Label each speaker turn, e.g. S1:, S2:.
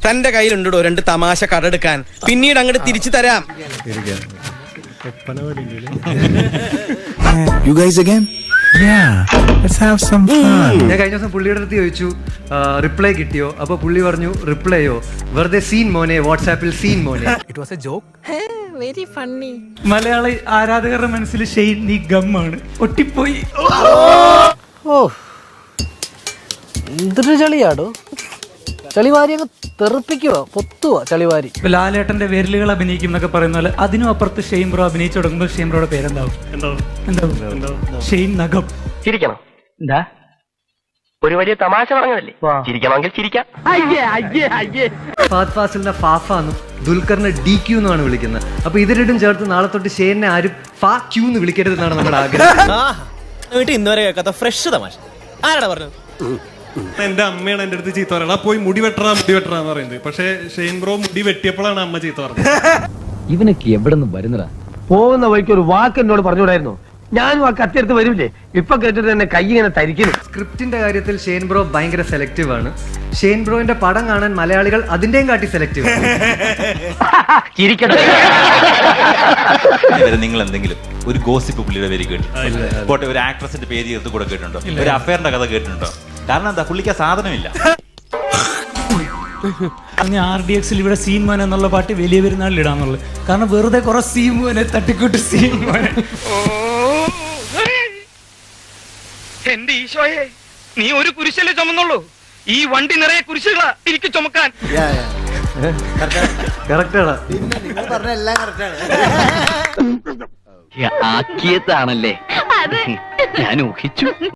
S1: തന്റെ കയ്യിലുണ്ടോ 2 തമാശ കടെടുക്കാൻ? പിന്നീട് അങ്ങോട്ട് തിരിച്ചു തരാം.
S2: You guys again? Yeah, let's have some fun.
S3: ഞാൻ കഴിഞ്ഞ ദിവസം പുള്ളിയുടെ അടുത്ത് ചോദിച്ചു റിപ്ലൈ കിട്ടിയോ? അപ്പൊ പുള്ളി പറഞ്ഞു റിപ്ലൈയോ വെറുതെ സീൻ മോനെ, വാട്സാപ്പിൽ സീൻ മോനെ.
S4: It was a joke.
S5: Very funny.
S6: Malayali ആരാധകരുടെ മനസ്സിൽ ഷെയ്ൻ നീ ഗമ്മാണ്, ഒട്ടിപ്പോയി.
S7: ഓ എന്തൊരു ചളിയാടോ, ചളിവാരി അങ്ങ് തെറിപ്പിക്കുക, പൊത്തുക ചളിവാരി.
S6: ലാലേട്ടന്റെ വിരലുകൾ അഭിനയിക്കും എന്നൊക്കെ പറയുന്ന പോലെ അതിനും അപ്പുറത്ത് ഷെയ്ൻ ബ്രോ അഭിനയിച്ചു തുടങ്ങുമ്പോൾ ഷെയ്ൻ ബ്രോയുടെ പേരെന്താവും? ഷെയ്ൻ നഖം.
S8: ചിരിക്കണം. എന്താ ഒരു വലിയ തമാശ പറഞ്ഞതല്ലേ? ചിരിക്കണമെങ്കിൽ ചിരിക്കാം.
S3: ഫഹദ് ഫാസിലിനെ ഫാഫ എന്നും ദുൽഖറിനെ DQ എന്നാണ് വിളിക്കുന്നത്. അപ്പൊ ഇത് രണ്ടും ചേർത്ത് നാളെ തൊട്ട് ഷെയ്നെ ആരും ഫാ ക്യൂ എന്ന് വിളിക്കരുതെന്നാണ് നമ്മുടെ ആഗ്രഹം.
S1: ഇന്നുവരെ കേൾക്കാത്ത ഫ്രഷ് തമാശ ആരാടാ പറഞ്ഞത്?
S9: എന്റെ അമ്മയാണ് എന്റെ അടുത്ത് ചീത്ത പറയണ, പോയി മുടി വെട്ടറാന്ന് പറയുന്നത്. പക്ഷെ ഷെയ്ൻ ബ്രോ മുടി വെട്ടിയപ്പോഴാണ് അമ്മ ചീത്ത പറഞ്ഞത്.
S7: ഇവനൊക്കെ എവിടെ നിന്ന് വരുന്നതാ?
S8: പോകുന്ന വഴിക്ക് ഒരു വാക്ക് എന്നോട് പറഞ്ഞുകൂടായിരുന്നു? ഞാനും ആ കത്തിയെടുത്ത് വരില്ലേ? ഇപ്പൊ കേട്ടിട്ട് തന്നെ കൈ ഇങ്ങനെ തരിക്കുന്നു.
S3: സ്ക്രിപ്റ്റിന്റെ കാര്യത്തിൽ ഷെയ്ൻ ബ്രോ ഭയങ്കര സെലക്റ്റീവ് ആണ്. ഷെയ്ൻ ബ്രോന്റെ പടം കാണാൻ മലയാളികൾ അതിന്റെയും കാട്ടി സെലക്റ്റീവ് ആണ്.
S10: നിങ്ങൾ എന്തെങ്കിലും ഒരു ഗോസിപ്പ് പുള്ളിയുടെ പേര് കേട്ടിട്ടുണ്ടോ? പോട്ടെ, ഒരു ആക്ട്രസിന്റെ പേര് ചേർത്ത് കൂടെ കേട്ടിട്ടുണ്ടോ? ഒരു അഫയറിന്റെ കഥ കേട്ടിട്ടുണ്ടോ? കാരണം എന്താ, പുള്ളിക്ക് സാധനമില്ല.
S6: RDXൽ ഇവിടെ സീൻ മോൻ എന്നുള്ള പാട്ട് വലിയ പെരുന്നാളിൽ ഇടാന്നുള്ളത്. കാരണം വെറുതെ കുറെ സീൻ മോനെ തട്ടിക്കൂട്ട് സീൻ മോനെ.
S1: എന്റെ ഈശോയെ, നീ ഒരു കുരിശല്ലേ ചുമന്നുള്ളൂ? ഈ വണ്ടി നിറയെ കുരിശുകളാ എനിക്ക് ചുമക്കാൻ.
S3: കറക്റ്റാണ്.
S8: ആക്കിയതാണല്ലേ ഞാൻ ഊഹിച്ചു.